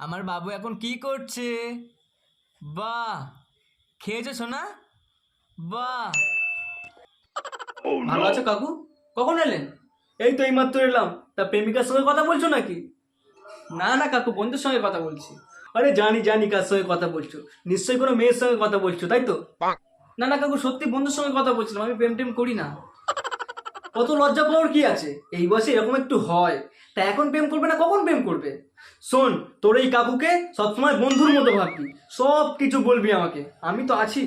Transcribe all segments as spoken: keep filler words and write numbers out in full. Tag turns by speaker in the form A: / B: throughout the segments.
A: আমার বাবু এখন কি করছে? বাহ, খেয়েছো সোনা? বাহ।
B: ভালো আছো কাকু? কখন এলেন?
A: এই তো এইমাত্র এলাম। তা প্রেমিকার সঙ্গে কথা বলছো নাকি?
B: না না কাকু, বন্ধুর সঙ্গে কথা বলছি।
A: আরে জানি জানি কার সঙ্গে কথা বলছো, নিশ্চয়ই কোনো মেয়ের সঙ্গে কথা বলছো, তাই তো?
B: না না কাকু, সত্যি বন্ধুর সঙ্গে কথা বলছিলাম, আমি প্রেম টেম করি না।
A: কত লজ্জা পাওয়ার কি আছে? এই বয়সে এরকম একটু হয়। তা এখন প্রেম করবে না কখন প্রেম করবে? শোন, তোর এই কাকুকে সবসময় বন্ধুর মতো ভাববি, সব কিছু বলবি আমাকে, আমি তো আছি।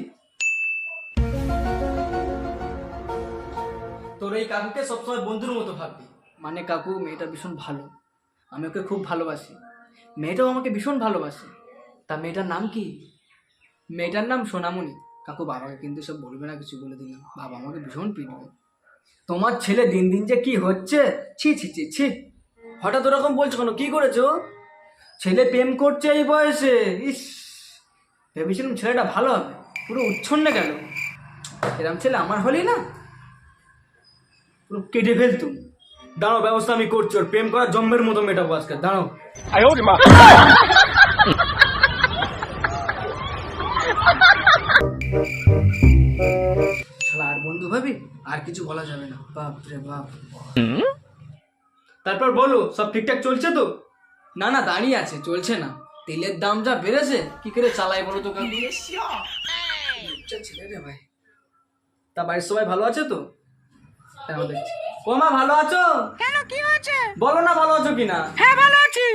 A: তোর এই কাকুকে সবসময় বন্ধুর মতো ভাববি।
B: মানে কাকু, মেয়েটা ভীষণ ভালো, আমি ওকে খুব ভালোবাসি, মেয়েটাও আমাকে ভীষণ ভালোবাসে।
A: তা মেয়েটার নাম কি?
B: মেয়েটার নাম সোনামণি। কাকু, বাবাকে কিন্তু সব বলবে না, কিছু বলে দিলাম, বাবা আমাকে ভীষণ পিটবে।
A: তোমার ছেলে দিন দিন যে কি হচ্ছে, ছি ছি ছি ছি। হঠাৎ ওরকম বলছো কেন? কি করেছো? ছেলে প্রেম করছে এই বয়সে, ইস। ভেবেছিলাম ছেলেটা ভালো হবে, পুরো উচ্ছন্নে গেল। এরম ছেলে আমার হলেই না পুরো কেটে ফেলতুম। দাঁড়াও, ব্যবস্থা আমি করছি, ওর প্রেম করার জম্মের মতো মেটাবো আজকে, দাঁড়াও।
B: শালা আর বন্ধু ভাবি, আর কিছু বলা যাবে না, বাপ রে বাপ।
A: তারপর বলো, সব ঠিকঠাক চলছে তো?
B: না না, দাঁড়িয়ে আছে, চলছে না। তেলের দাম যা বেড়েছে, কি করে চালাই বলো তো কাকু? লজ্জা ছেলে রে ভাই।
A: তা বাড়ির সবাই ভালো আছে তো?
B: তাও দেখছি।
A: ও মা, ভালো আছো?
C: কেন, কি হয়েছে?
A: বলো না ভালো আছো কিনা।
C: হ্যাঁ, ভালো আছি।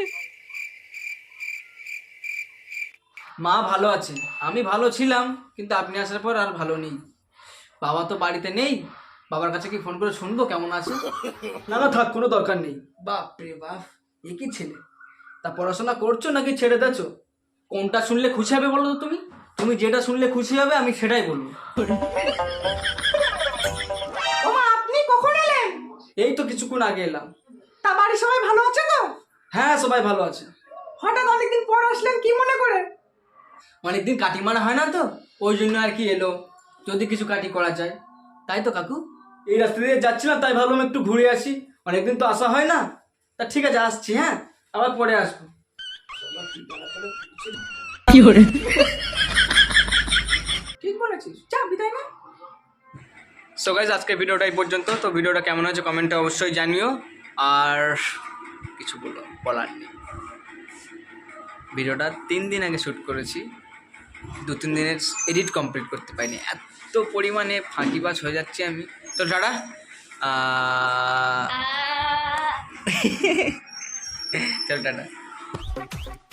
B: মা ভালো আছে, আমি ভালো ছিলাম, কিন্তু আপনি আসার পর আর ভালো নেই। বাবা তো বাড়িতে নেই, বাবার কাছে কি ফোন করে শুনবো কেমন আছে?
A: না না থাক, কোনো দরকার নেই।
B: বাপ রে বাপ, এ কি ছেলে! তা পড়াশোনা করছো নাকি ছেড়ে দেছো? কোনটা শুনলে খুশি হবে বলো তো তুমি? তুমি যেটা শুনলে খুশি হবে আমি সেটাই বলবো।
C: ওমা, আপনি কখন এলেন?
B: এই তো কিছুক্ষণ আগে এলাম।
C: তা বাড়ির সবাই ভালো আছে তো?
B: হ্যাঁ, সবাই ভালো আছে।
C: হঠাৎ অনেকদিন পর আসলেন, কি মনে করে?
B: অনেকদিন কাটি মারা হয় না তো, ওই জন্য আর কি এলো, যদি কিছু কাটি করা যায়, তাই তো কাকু।
A: এই রাস্তা দিয়ে যাচ্ছিলাম, তাই ভাবলাম একটু ঘুরে আসি, অনেকদিন তো আসা হয় না। তা ঠিক আছে, আসছি, হ্যাঁ, আবার পরে আসবো।
B: ঠিক বলেছিস, যা বিদায় না।
A: সো গাইজ, আজকের ভিডিওটা এই পর্যন্ত। তো ভিডিওটা কেমন হয়েছে কমেন্টে অবশ্যই জানিও। আর কিছু বলো বলার নেই। ভিডিওটা তিন দিন আগে শ্যুট করেছি, দু তিন দিনের এডিট কমপ্লিট করতে পারিনি, এত পরিমাণে ফাঁকিবাজ হয়ে যাচ্ছি আমি। তো টাটা। চল টাটা।